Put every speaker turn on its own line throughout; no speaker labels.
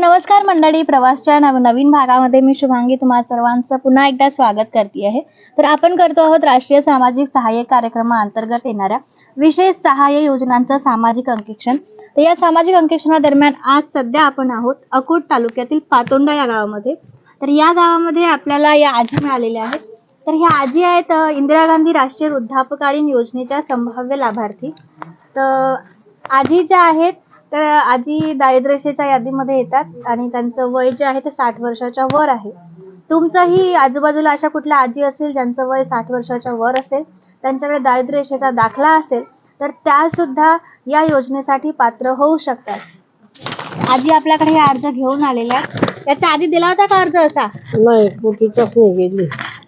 नमस्कार मंडळी, प्रवासच्या नवीन भागामध्ये मी शुभांगी तुम्हा सर्वांचं पुन्हा एकदा स्वागत करते आहे। तर आपण करतो आहोत राष्ट्रीय सामाजिक सहाय्य कार्यक्रमाअंतर्गत येणाऱ्या विशेष सहाय्य योजनांचं सामाजिक अंकेक्षण। तर या सामाजिक अंकेक्षणादरम्यान आज सध्या आपण आहोत अकोट तालुक्यातील पातोंडा या गावामध्ये। तर या गावामध्ये आपल्याला या आजी मिळालेल्या आहेत। तर ह्या आजी आहेत इंदिरा गांधी राष्ट्रीय वृद्धापकालीन योजनेच्या संभाव्य लाभार्थी। तर आजी ज्या आहेत तर आजी दारिद्र्यरेषेच्या यादीमध्ये येतात आणि त्यांचं वय जे आहे ते 60 वर्षाच्या वर आहे। तुमचंही आजूबाजूला अशा कुठल्या आजी असेल ज्यांचं वय 60 वर्षाच्या वर असेल, त्यांच्याकडे दारिद्र्यरेषेचा दाखला असेल, तर त्या सुद्धा या योजनेसाठी पात्र होऊ शकतात। आजी आपल्याकडे हे अर्ज घेऊन आलेल्या आहेत। याच्या आधी दिला होता का अर्ज असा?
नाही, कुठेच नाही गेली।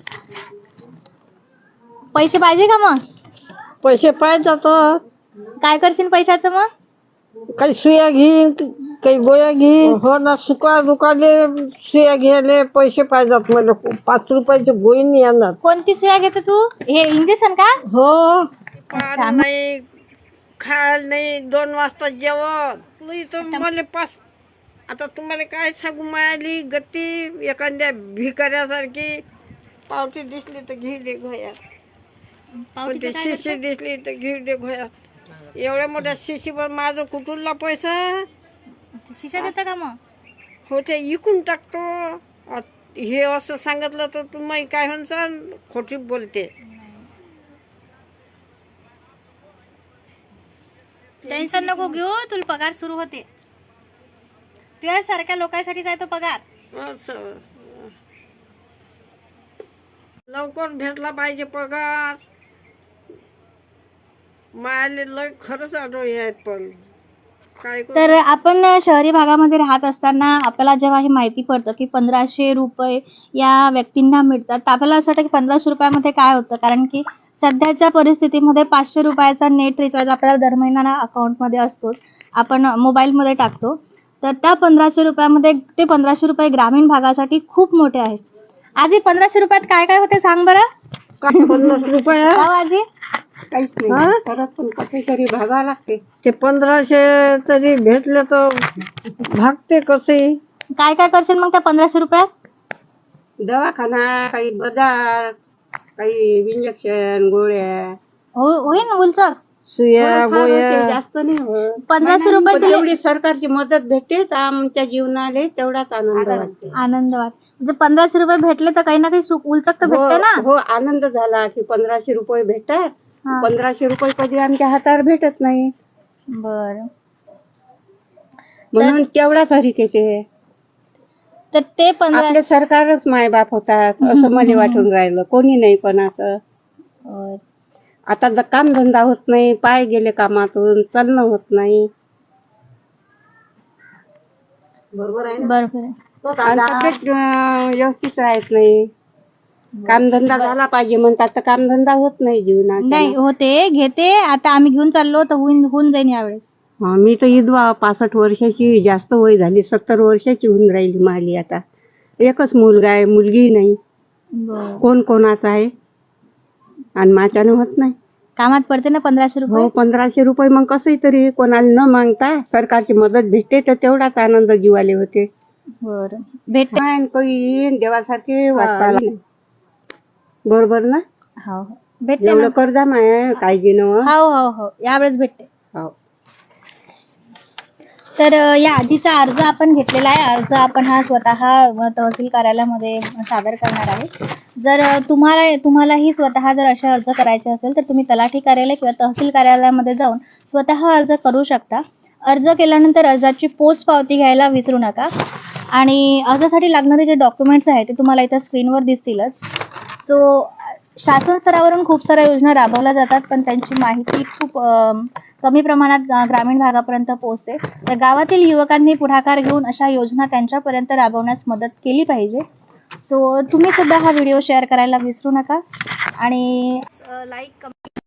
पैसे पाहिजे का मग?
पैसे पाहिजे तर
काय करशील पैशाचं मग?
काही सुया घेईन, काही गोळ्या घेईन। हो ना, सुका दुकाले सुया घ्यायला पैसे पाहिजेत मला। 5 रुपयाची गोळी नाही येणार।
कोणती सुया घेते तू? हे इंजेक्शन का?
हो,
अच्छा।
नाही खायला नाही, 2 वाजता जेवण इथं मला 5। आता तुम्हाला काय सांगू, मायाली गती एखाद्या भिकाऱ्यासारखी। पावती दिसली तर घेऊ दे घोयात, पण ते शिशी दिसली तर घेऊ दे घोयात। एवढ्या मोठ्या शिशीवर माझं कुठूनला पैसा?
शिशा देता का मग?
हो, ते इकून टाकतो। हे असं सांगितलं तर तुम्ही काय म्हणसाल, खोटी बोलते।
टेन्शन नको घेऊ, तुला पगार सुरू होते। तुझ्या सारख्या लोकांसाठी आहे तो पगार।
असं लवकर भेटला पाहिजे पगार। मायाले लय खरंच आढळले आहेत, पण काय करू?
तर आपण शहरी भागामध्ये राहत असताना आपल्याला जेव्हा हे माहिती पडतं की 1500 रुपये या व्यक्तींना मिळतात, तर आपल्याला असं वाटतं की 1500 रुपयामध्ये काय होतं, कारण की सध्याच्या परिस्थितीमध्ये 500 रुपयाचा नेट रिचार्ज आपल्याला दर महिन्याला अकाउंटमध्ये असतोच, आपण मोबाईलमध्ये टाकतो। तर त्या 1500 रुपयामध्ये ते 1500 रुपये ग्रामीण भागासाठी खूप मोठे आहेत। आजी 1500 रुपयात काय काय होते सांग बरं?
काय 50 रुपये?
आजी
काहीच नाही, परत पण कसे तरी भागा लागते। ते 1500 तरी भेटले तर भागते कसे।
काय काय करशील मग त्या 1500 रुपयात?
दवाखाना, काही बाजार, काही इंजेक्शन, गोळ्या,
होईल ना उलचक?
सुया गोळ्या जास्त नाही होत।
1500 रुपये दिले,
एवढी सरकारची मदत भेटते तर आमच्या जीवनाला तेवढाच आनंद वाटते।
आनंद वाटतो। म्हणजे 1500 रुपये भेटले तर काही ना काही सुख उलचक तर भेटते ना।
हो, आनंद झाला की 1500 रुपये भेटतात। 1500 रुपये कधी आमच्या हातावर भेटत नाही,
बर,
म्हणून तेवढा तरी ते
तर ते 15
आपले सरकारच मायबाप होतात असं मला वाटून राहिलं, कोणी नाही पण असं। आता काम धंदा होत नाही, पाय गेले कामातून, चालणं होत नाही। बरोबर आहे,
बरोबर आहे।
तब्येत व्यवस्थित राहत नाही। कामधंदा झाला पाहिजे म्हणतात, तर कामधंदा होत नाही जीवनात।
नाही होते, घेते आता आम्ही घेऊन चाललो तर होऊन जाईन यावेळेस।
मी तर विधवा, 65 वर्षाची, जास्त वय झाली, 70 वर्षाची होऊन राहिली माली। आता एकच मुलगा आहे, मुलगी नाही। कोण कोणाचा आहे आणि माझ्यानं होत नाही।
कामात पडते ना 1500 रुपये?
हो, 1500 रुपये मग कसंही तरी कोणाला न मागता सरकारची मदत भेटते तर तेवढाच आनंद जीवाले होते।
बरं, भेटते
काही देवासारखे वाटपाला, बरोबर ना?
हो भेटते
एवढं कर्जा माय काळजी न।
हो हो हो, यावेळेस भेटते।
हो,
तर या आधीचा अर्ज आपण घेतलेला आहे। अर्ज आपण हा स्वतः तहसील कार्यालयामध्ये सादर करणार आहे। जर तुम्हालाही स्वतः जर असे अर्ज करायचे असेल तर तुम्ही तलाठी कार्यालय किंवा तहसील कार्यालयामध्ये जाऊन स्वतः अर्ज करू शकता। अर्ज केल्यानंतर अर्जाची पोच पावती घ्यायला विसरू नका आणि अर्जासाठी लागणारे जे डॉक्युमेंट्स आहेत ते तुम्हाला इथं स्क्रीनवर दिसतीलच। सो शासन स्तरावरून खूप साऱ्या योजना राबवल्या जातात, पण त्यांची माहिती खूप कमी प्रमाणात ग्रामीण भागापर्यंत पोहोचते। तर गावातील युवकांनी पुढाकार घेऊन अशा योजना त्यांच्यापर्यंत राबवण्यास मदत केली पाहिजे। सो तुम्ही सुद्धा हा व्हिडिओ शेअर करायला विसरू नका आणि लाईक, कमेंट